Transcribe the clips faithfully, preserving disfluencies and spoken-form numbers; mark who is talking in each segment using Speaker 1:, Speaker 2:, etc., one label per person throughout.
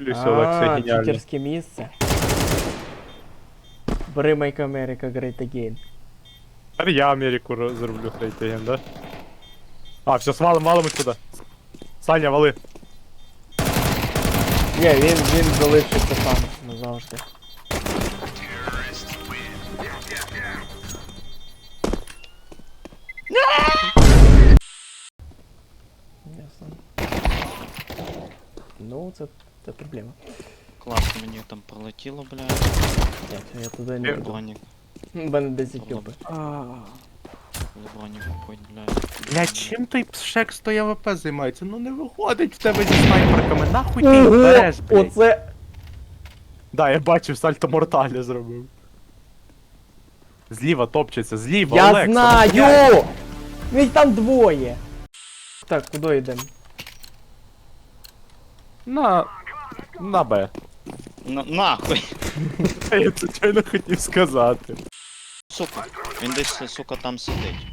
Speaker 1: дивлюся, Олекса
Speaker 2: А,
Speaker 1: геніально.
Speaker 2: читерське місце. Бери Make America Great Again.
Speaker 1: Тепер я Америку роз- зроблю хрейтеген, да? А, все, свалим, валим сюди. Саня, вали.
Speaker 2: Ні, він, він залишиться там назавжди. Ясно. Ну, це, це проблема.
Speaker 3: Класно мені там пролетіло, блядь.
Speaker 2: Так, я туди не йду.
Speaker 3: Бронік.
Speaker 2: У мене десять кілпи.
Speaker 3: Бронік купить, блядь.
Speaker 1: Бля, чим той пшек сто АВП займається? Ну не виходить в тебе зі снайперками, нахуй ти їх береш, блядь.
Speaker 2: Оце...
Speaker 1: Да, я бачив, сальто мортале зробив. Зліва топчеться, зліва,
Speaker 2: Я
Speaker 1: Олекса, ну, блядь.
Speaker 2: знаю! Їх там двоє! Так, куди йдемо?
Speaker 1: На... На Б.
Speaker 3: На, нахуй.
Speaker 1: Я це чайно хотів сказати.
Speaker 3: Сука. Він десь, сука, там сидить.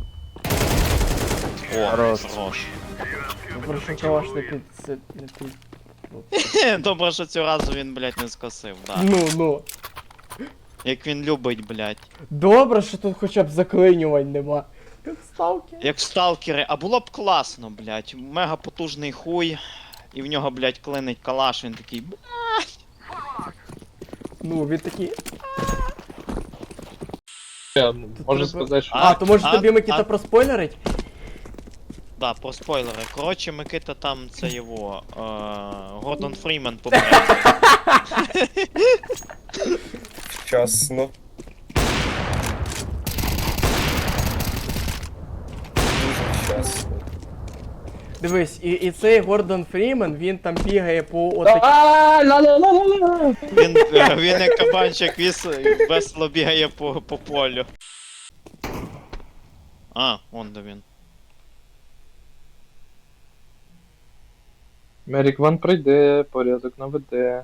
Speaker 3: О,
Speaker 1: Хорош.
Speaker 3: хорош.
Speaker 2: Прошу калаш не під... це- не під...
Speaker 3: Добре, що цього разу він, блядь, не скосив, да.
Speaker 2: Ну, ну.
Speaker 3: Як він любить, блядь.
Speaker 2: Добре, що тут хоча б заклинювань нема. Як ставки.
Speaker 3: Як в сталкери, а було б класно, блядь. Мега потужний хуй. І в нього, блядь, клинить калаш, він такий. «Б***».
Speaker 2: Ну, він такий...
Speaker 4: Можу
Speaker 2: треба-
Speaker 4: сказати, що
Speaker 2: А, то може
Speaker 3: а-
Speaker 2: тобі Микита
Speaker 3: а-
Speaker 2: проспойлерить?
Speaker 3: Да, про спойлери. Коротше, Микита там це його. Е, Гордон Фрімен помре.
Speaker 5: Вчасно. Дуже вчасно.
Speaker 2: Дивись, і, і цей Гордон Фрімен, він там бігає по отак...
Speaker 4: А, ла-ла-ла-ла-ла.
Speaker 3: Він, е, він як кабанчик віс, весело бігає по, по полю. А, он де він.
Speaker 4: Мерік Ван прийде, порядок наведе.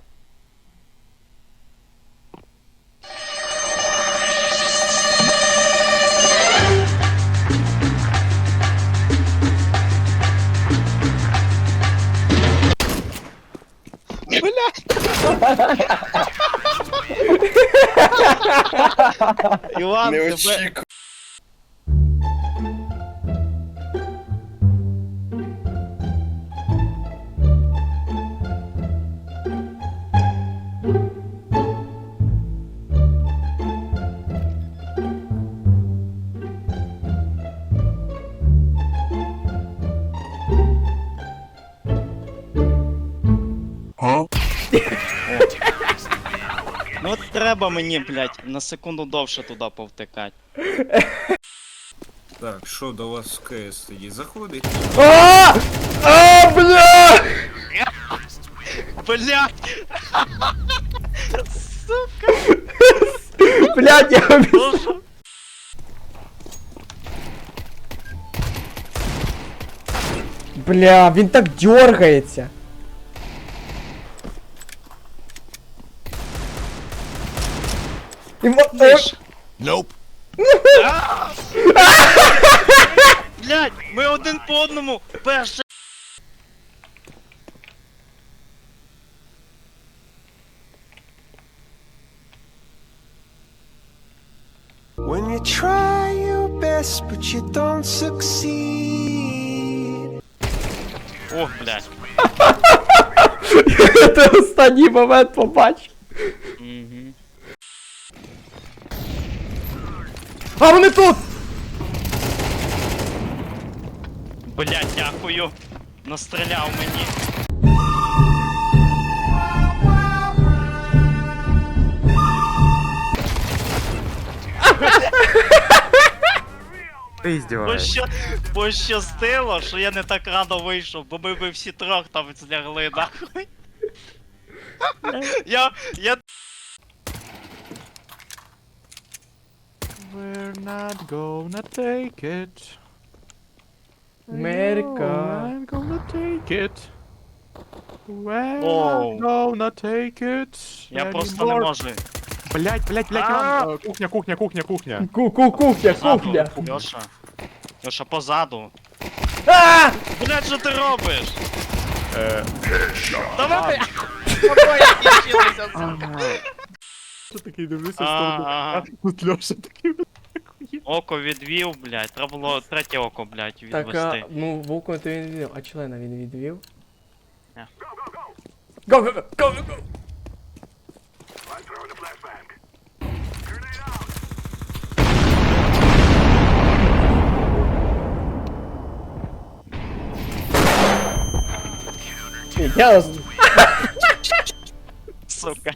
Speaker 3: Іван,
Speaker 5: Не
Speaker 3: тебе...
Speaker 5: очікував.
Speaker 3: Ну от треба мені, блядь, на секунду довше туди повтикати.
Speaker 6: Так, що до вас в КС тоді заходить?
Speaker 2: А! А, бля!
Speaker 3: Блядь!
Speaker 2: Блядь, я обіцяв. Бля, він так дергається. І мо-
Speaker 3: Тиш. Блядь, ми один по одному. Перше.
Speaker 7: When you try your best, but you don't succeed.
Speaker 3: Ох, блядь.
Speaker 2: Ти останній момент побачив.
Speaker 3: Угу.
Speaker 2: А вони тут!
Speaker 3: Блядь, дякую. Настріляв мені.
Speaker 1: Ти здіваєшся.
Speaker 3: Поща... Пощастило, що я не так рано вийшов, бо ми би всі трьох там злягли, нахуй. Я... я...
Speaker 1: We're not gonna take it.
Speaker 2: Америка.
Speaker 1: I'm gonna take it. We're
Speaker 3: Оу.
Speaker 1: not gonna take it.
Speaker 3: Я просто не
Speaker 1: anymore.
Speaker 3: можу.
Speaker 1: Блять, блять, блять,
Speaker 2: А!
Speaker 1: Іван, е, кухня, кухня, кухня, кухня.
Speaker 2: Ку-ку, кухня,
Speaker 3: Позаду,
Speaker 2: кухня.
Speaker 3: Льоша. Льоша, позаду.
Speaker 2: А!
Speaker 3: Блядь, що ти робиш?
Speaker 1: Е,
Speaker 3: Давай! Покоя кінчилися.
Speaker 1: Що такий дивлюся в
Speaker 3: А,
Speaker 1: сторону.
Speaker 3: ага.
Speaker 1: А тут Льоша такий.
Speaker 3: Око відвів, блядь. Треба було третє око, блядь,
Speaker 2: Так,
Speaker 3: відвести.
Speaker 2: а, ну, вовку то він відвів, а члена він відвів.
Speaker 3: Ні.
Speaker 2: Го, го, го, го, го, го! Я вас...
Speaker 3: Сука.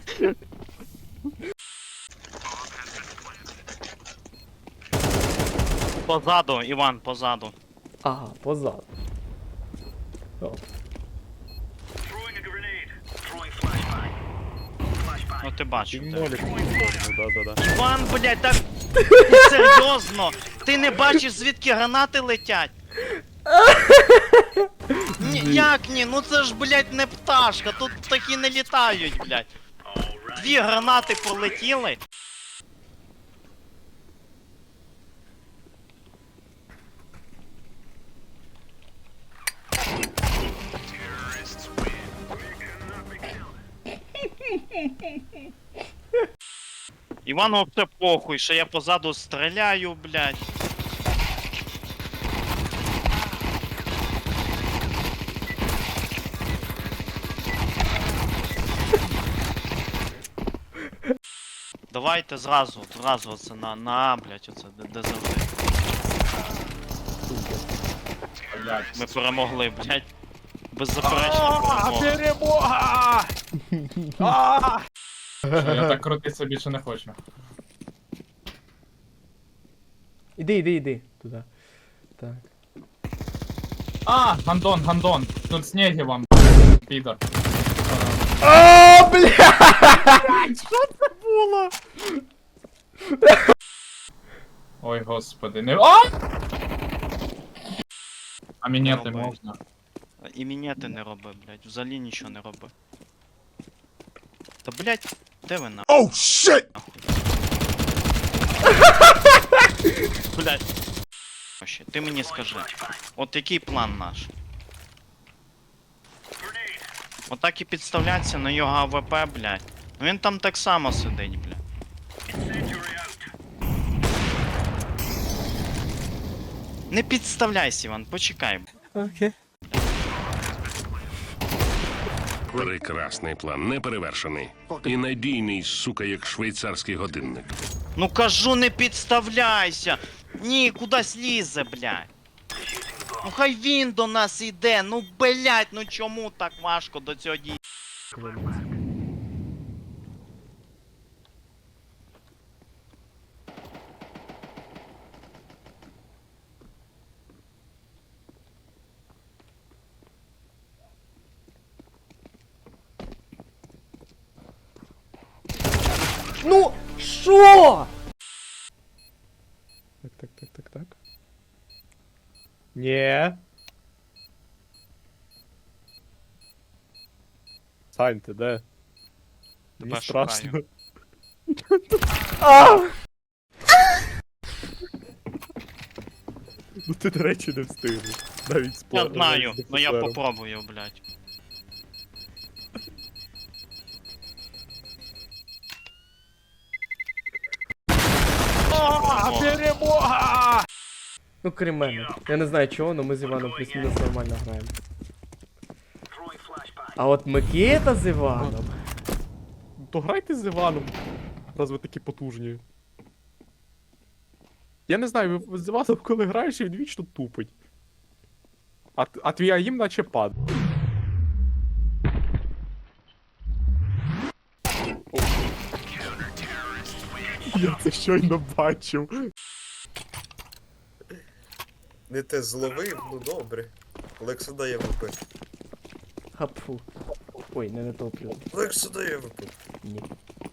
Speaker 3: Позаду, Іван, позаду.
Speaker 2: Ага, позаду. О.
Speaker 3: Ну ти бачив.
Speaker 1: Він
Speaker 3: ти.
Speaker 1: молік. Ну, да-да-да.
Speaker 3: Іван, блядь, так серйозно. Ти не бачиш, звідки гранати летять? Ні, як ні? Ну це ж, блядь, не пташка, тут такі не літають, блядь. Дві гранати полетіли. Івану все похуй, що я позаду стріляю, блядь. Давайте зразу, зразу оце на, на А, блядь, оце, де, де завжди. Ми перемогли, блядь. Беззаперечна перемога.
Speaker 1: Перемога!
Speaker 8: Я так крутитися більше не хочу.
Speaker 2: Іди, іди, іди. Туди. Так.
Speaker 8: А, гандон, гандон. Тут снеги вам, підор.
Speaker 2: О, бля!
Speaker 8: Ой, господи, не. А! А міняти
Speaker 3: Роби.
Speaker 8: можна.
Speaker 3: І мінети не роби, блядь, взагалі нічого не роби. Та, блядь, де ви на?
Speaker 7: Oh shit!
Speaker 3: Блядь. Вообще, ти мені скажи, от який план наш? Отак і підставляться на його АВП, блядь. Ну він там так само сидить, блядь. Не підставляйся, Іван, почекай.
Speaker 2: Окей.
Speaker 9: Прекрасний план, неперевершений. І надійний, сука, як швейцарський годинник.
Speaker 3: Ну кажу, не підставляйся! Ні, кудись лізе, блядь. Ну хай він до нас іде, ну блядь, ну чому так важко до цього дій?
Speaker 2: Ну, що?
Speaker 1: Так, так, так, так, так. Ні. Сань, ти де? Мені
Speaker 3: Тебе
Speaker 1: страшно.
Speaker 3: шукаю.
Speaker 2: А!
Speaker 1: Ну ти, до речі, не встигнеш. Навіть з
Speaker 3: Я
Speaker 1: пла-
Speaker 3: знаю,
Speaker 1: навіть з
Speaker 3: ну я
Speaker 1: офіцером.
Speaker 3: попробую, блядь.
Speaker 1: А, перемога!
Speaker 2: Ну, крім мене. Я не знаю чого, але ми з Іваном плюс-мінус нормально граємо. А от Микита з Іваном.
Speaker 1: То грайте з Іваном, раз ви такі потужні. Я не знаю, ви з Іваном, коли граєш, він вічно тупить. А, т- а твій аїм наче пад. Я це щойно бачив.
Speaker 5: Не те зловив, ну добре. Лекса дає ВП.
Speaker 2: Хапфу. Ой, не натоплю.
Speaker 5: Лекса дає ВП.
Speaker 2: Ні.